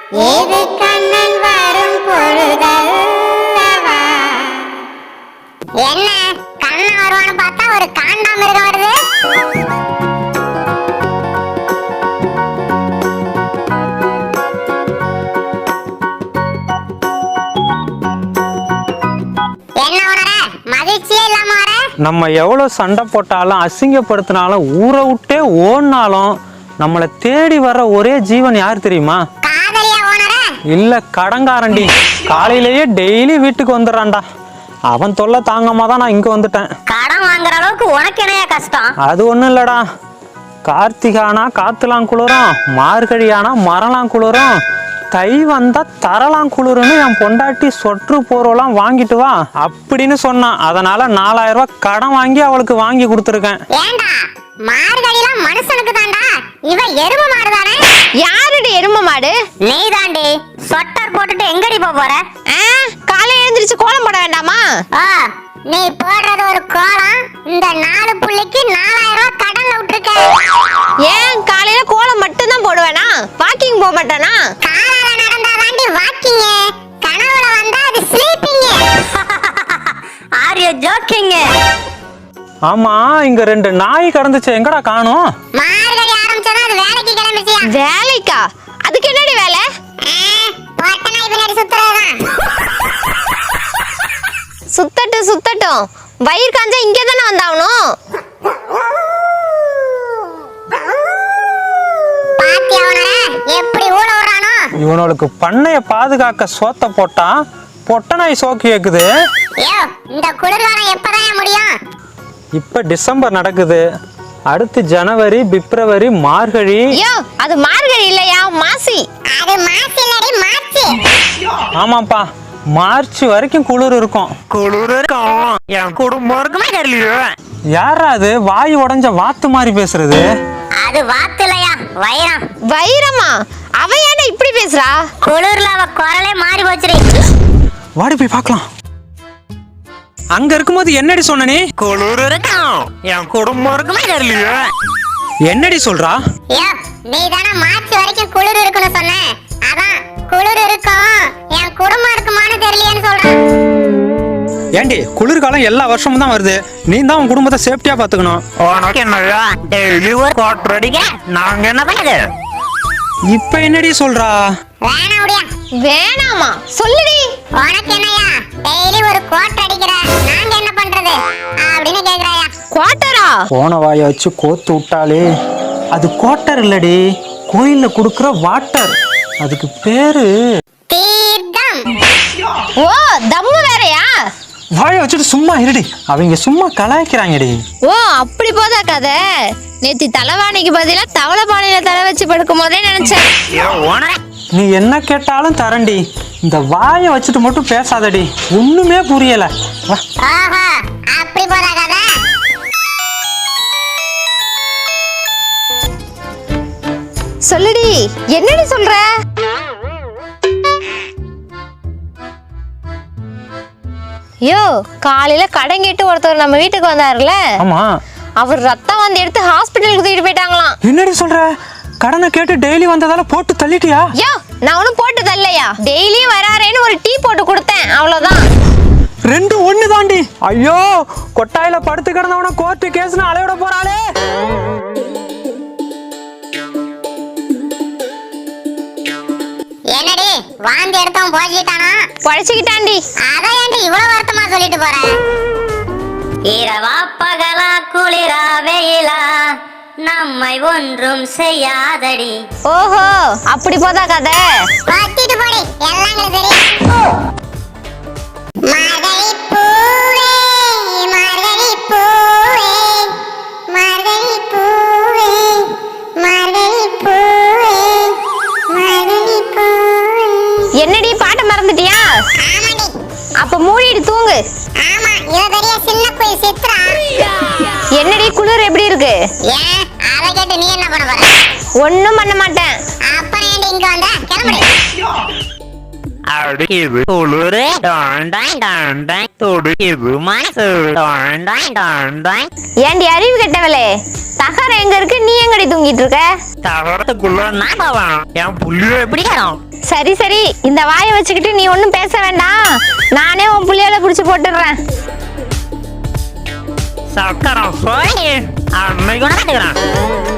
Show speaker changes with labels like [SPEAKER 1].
[SPEAKER 1] ஏது கண்ணன் வரும் பொழுதல்லவா. என்ன கண்ணன் வருவான்னு பார்த்தா ஒரு காண்டாமிருகம் வருது. என்ன உணர மகிழ்ச்சியே இல்லாம வர?
[SPEAKER 2] நம்ம எவ்வளவு சண்டை போட்டாலும் அசிங்கப்படுத்தினாலும் ஊரை விட்டே ஓடினாலும் நம்மளை தேடி வர்ற ஒரே ஜீவன் யார் தெரியுமா?
[SPEAKER 1] காதலியா உணர?
[SPEAKER 2] இல்ல கடங்காரண்டி. காலையிலேயே டெய்லி வீட்டுக்கு வந்துடுறான்டா. அவன் தொல்லை தாங்காம தான் நான் இங்க வந்துட்டேன்.
[SPEAKER 1] கடன் வாங்குற அளவுக்கு உனக்கு என்னையா கஷ்டம்?
[SPEAKER 2] அது ஒண்ணும் இல்லடா. கார்த்திகானா காத்துலாம் குளிரும், மார்கழியானா மரலாம் குளிரும், தை வந்தா தரலாம் குளிருன்னு என் பொண்டாட்டி சொற்று போறோலாம் வாங்கிட்டு வா அப்படின்னு சொன்னான். அதனால 4000 ரூபாய் கடன் வாங்கி அவளுக்கு வாங்கி கொடுத்துருக்கேன்.
[SPEAKER 1] ஏண்டா மார்கழிலாம் மனுஷனுக்கு தாண்டா, இவ எரும மாடு தானே?
[SPEAKER 3] யாருடி எரும மாடு?
[SPEAKER 1] நீ தாண்டி. சொட்டர் போட்டுட்டு எங்கடி போற?
[SPEAKER 3] காலையில எழுந்திரிச்சு கோலம் போட வேண்டாமா?
[SPEAKER 1] நீ போடுறது ஒரு கோலம், இந்த 4 புள்ளிக்கு 4000 ரூபாய் கடன்ல விட்டுருக்க.
[SPEAKER 3] ஏன் காலையில கோலம் மட்டும் தான் போடுவேனா? வாக்கிங் போக மாட்டானா?
[SPEAKER 1] காலால நடந்தா தாண்டி வாக்கிங், கனவுல வந்தா அது ஸ்லீப்பிங். Are you jogging?
[SPEAKER 2] ஆமா, இங்க 2 நாய் கடந்துச்சு, எங்கடா காணோம்?
[SPEAKER 1] மார்கழி ஆரம்பிச்சதா அது வேலைக்கு கிளம்பிச்சியா?
[SPEAKER 3] வேலைக்கா? அதுக்கு என்னடி வேலை?
[SPEAKER 1] போட்ட நாய் பின்னாடி சுத்துறதுதான்.
[SPEAKER 3] சுத்தட்டும். வயிறு காஞ்சா இங்கே தானே வந்தாகணும்.
[SPEAKER 1] பாத்தியா உனர எப்படி ஊட விடுறானோ?
[SPEAKER 2] இவனுக்கு பண்ணைய பாதுகாக்க சோத்த போட்டா பொட்ட நாய் சோக்கு கேக்குது.
[SPEAKER 1] ஐயோ, இந்த குளிர்காலம் எப்பதான் முடியும்?
[SPEAKER 2] இப்ப டிசம்பர் நடக்குது, அடுத்து ஜனவரி, பிப்ரவரி, மார்கழி.
[SPEAKER 3] ஐயோ, அது மார்கழி இல்லையா, மாசி.
[SPEAKER 1] அது மாசி இல்லடி, மார்ச்.
[SPEAKER 2] ஆமாப்பா, மார்ச் வரைக்கும் குளிர் இருக்கும்.
[SPEAKER 4] என் குடும்பம் இருக்குமே தெரியல.
[SPEAKER 2] யாரா அது வாய் உடைஞ்ச வாத்து மாதிரி பேசுறது?
[SPEAKER 1] அது வாத்து இல்லையா, வைரம்.
[SPEAKER 3] வைரமா? அவ ஏன்டா இப்படி பேசுறா?
[SPEAKER 1] குளிர்ல அவ குரலே மாறி போச்சுடி.
[SPEAKER 2] வாடி போய் பார்க்கலாம். அங்க இருக்கும்போது என்னடி சொன்ன நீ?
[SPEAKER 4] குளிர் இருக்கும், என் குடும்பம் இருக்குமே தெரியல.
[SPEAKER 2] என்னடி சொல்றா?
[SPEAKER 1] ஐயோ, நீ தானே மார்ச் வரைக்கும் குளிர் இருக்குன்னு சொன்ன. அதான் குளிர் இருக்கும், என் குடும்பம் இருக்குமான்னு தெரியலையேன்னு சொல்றேன்.
[SPEAKER 2] ஏண்டி, குளிர்காலம் எல்லா வருஷமும் தான் வருது, நீ தான் உன் குடும்பத்தை சேஃப்டியா பாத்துக்கணும்.
[SPEAKER 4] உனக்கு என்னடா டெய்லி ஒரு கோட்டர் அடிக்க நாங்க என்ன பண்ணுது?
[SPEAKER 2] இப்ப என்னடி சொல்றா?
[SPEAKER 1] வேணா முடியா?
[SPEAKER 3] வேணாமா? சொல்லுடி.
[SPEAKER 1] உனக்கு என்னையா டெய்லி ஒரு கோட் அடிக்கிற, நாங்க என்ன பண்றது அப்படின்னு கேக்குறாயா?
[SPEAKER 3] குவார்ட்டரா?
[SPEAKER 2] போன வாயை வச்சு கோத்து விட்டாலே. அது குவார்ட்டர் இல்லடி, கோயில்ல குடுக்கற வாட்டர். அதுக்கு பேரு
[SPEAKER 1] தீர்த்தம்.
[SPEAKER 3] ஓ, தம்மு வேறயா?
[SPEAKER 2] வாயை வச்சுட்டு சும்மா இருடி, அவங்க சும்மா கலாய்க்கிறாங்கடி.
[SPEAKER 3] ஓ, அப்படி போதா கதை. நேத்தி தலைவாணிக்கு பதிலா தவளை பானையில தலை வச்சு படுக்கும் போதே நினைச்சேன்.
[SPEAKER 2] நீ என்ன கேட்டாலும் தரண்டி, இந்த வாயை வச்சுட்டு மட்டும் பேசாதடி, ஒண்ணுமே புரியல. வா.
[SPEAKER 1] ஆஹா, அப்படி போதா கதை.
[SPEAKER 3] சொல்லுடி, என்னடி சொல்ற? யோ, காலையில கடன் கேட்டு ஒருத்தர் நம்ம வீட்டுக்கு வந்தாருல,
[SPEAKER 2] ஆமா,
[SPEAKER 3] அவர் ரத்தம் வந்து எடுத்து ஹாஸ்பிட்டலுக்கு தூக்கிட்டு போயிட்டாங்களாம்.
[SPEAKER 2] என்னடி சொல்ற? கடனை கேட்டு டெய்லி வந்ததால போட்டு தள்ளிட்டியா?
[SPEAKER 3] யோ, நான் ஒன்னும் போட்டு தரலையா, டெய்லியும் வராரேன்னு ஒரு டீ போட்டு கொடுத்தேன், அவ்வளவுதான்.
[SPEAKER 2] 2 ஒண்ணு தாண்டி. ஐயோ, கொட்டாயில படுத்து கிடந்தவன கோர்ட்டு கேஸ்னு அலையோட போறாளே.
[SPEAKER 1] என்னடி வாந்தி எடுத்தவன் போய்ட்டானா?
[SPEAKER 3] பழச்சிக்கிட்டாண்டி.
[SPEAKER 1] அதான் ஏன்டி இவ்வளவு வருத்தமா சொல்லிட்டு போற? இரவா பகலா குளிரா வெயிலா நம்மை ஒன்றும் செய்யாதடி.
[SPEAKER 3] ஓஹோ, அப்படி போதா கதை.
[SPEAKER 1] பத்திட்டு போடி, எல்லாம் எங்களுக்கு தெரியும். மார்கழி பூவே, மார்கழி பூவே, மார்கழி பூவே, மார்கழி பூவே, மார்கழி பூவே.
[SPEAKER 3] என்னடி பாட்ட மறந்துட்டியா?
[SPEAKER 1] ஆமாடி.
[SPEAKER 3] அப்ப மூடிட்டு தூங்கு.
[SPEAKER 1] ஆமா, இவ பெரிய சின்ன குயில் சித்ரா.
[SPEAKER 3] என்னடி குளிர் எப்படி இருக்கு?
[SPEAKER 1] ஏன் அத கேட்டு நீ என்ன பண்ண போற?
[SPEAKER 3] ஒண்ணும் பண்ண மாட்டேன்.
[SPEAKER 1] அப்ப ஏன்டி இங்க வந்த? கிளம்புடி.
[SPEAKER 4] அடிக்குது குளிர், டாண்டாய் துடிக்குது மனசு, டாண்டாய்.
[SPEAKER 3] ஏண்டி அறிவு கெட்டவளே, தகரம் எங்க இருக்கு, நீ எங்க எங்கடி தூங்கிட்டு இருக்க?
[SPEAKER 4] தவறதுக்குள்ள நான் போவேன். என் புள்ளியோ எப்படி காணும்?
[SPEAKER 3] சரி சரி, இந்த வாயை வச்சுக்கிட்டு நீ ஒன்றும் பேச வேண்டாம். நானே உன் புள்ளியால பிடிச்சி போட்டுடுறேன்.
[SPEAKER 4] சக்கரம் போய் அன்னைக்கு நடந்துக்கிறேன்.